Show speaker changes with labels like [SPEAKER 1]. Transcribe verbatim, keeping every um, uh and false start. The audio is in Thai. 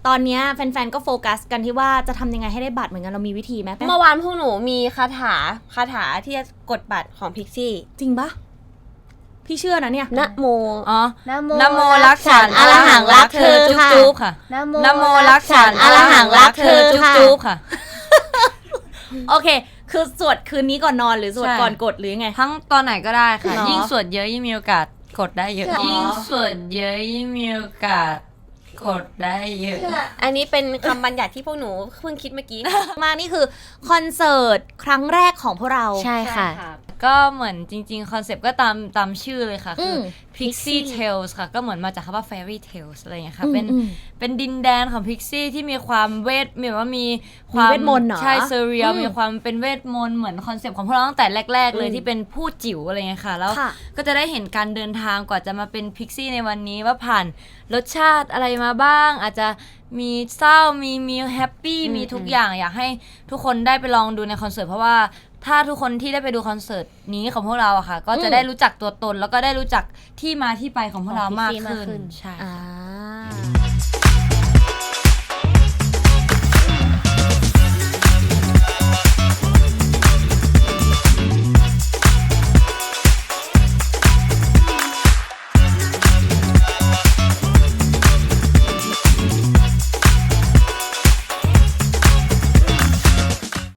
[SPEAKER 1] ตอนนี้แฟนๆก็โฟกัสกันที่ว่าจะทำยังไงให้ได้บัตรเหมือนกันเรามีวิธีไหม
[SPEAKER 2] เมื่อวานพวกหนูมีคาถาคาถาที่จะกดบัตรของพิกซี่
[SPEAKER 1] จริงปะพี่เชื่อนะเนี่ย
[SPEAKER 2] นะโม
[SPEAKER 3] อ๋อ
[SPEAKER 2] นะโม
[SPEAKER 3] นะโมรักฉันอรหังรักเธอจุ๊บจุ๊บค่ะ
[SPEAKER 2] นะโม
[SPEAKER 3] นะโมรักฉันอรหังรักเธอจุ๊บจุ๊บค่ะ
[SPEAKER 1] โอเคคือสวดคืนนี้ก่อนนอนหรือสวดก่อนกดหรือไง
[SPEAKER 3] ทั้งตอนไหนก็ได้ค่ะยิ่งสวดเยอะยิ่งมีโอกาสกดได้เยอะยิ่งสวดเยอะยิ่งมีโอกาสกดได้เยอะ
[SPEAKER 2] อันนี้เป็นคำบัญญัติที่พวกหนูเพิ่งคิดเมื่อกี้
[SPEAKER 1] มานี่คือคอนเสิร์ตครั้งแรกของพวกเรา
[SPEAKER 2] ใช่ค่ะ
[SPEAKER 3] ก็เหมือนจริงๆคอนเซปต์ก็ตามตามชื่อเลยค่ะคือ Pixie Tales ค่ะก็เหมือนมาจากคำว่า Fairy Tales อะไรอย่างเงี้ยค่ะเป็นเป็นดินแดนของ Pixie ที่มีความเวทมีว่ามี
[SPEAKER 1] ความเวทมนต์
[SPEAKER 3] ใช่เซเรียลมีความเป็นเวทมนต์เหมือนคอนเซปต์ของพวกเราตั้งแต่แรกๆเลยที่เป็นผู้จิ๋วอะไรเงี้ยค่ะแล้วก็จะได้เห็นการเดินทางกว่าจะมาเป็น Pixie ในวันนี้ว่าผ่านรสชาติอะไรมาบ้างอาจจะมีเศร้ามีมีแฮปปี้มีทุกอย่างอยากให้ทุกคนได้ไปลองดูในคอนเสิร์ตเพราะว่าถ้าทุกคนที่ได้ไปดูคอนเสิร์ตนี้ของพวกเราอะค่ะก็จะได้รู้จักตัวตนแล้วก็ได้รู้จักที่มาที่ไปของพวกเรามากขึ้นใช่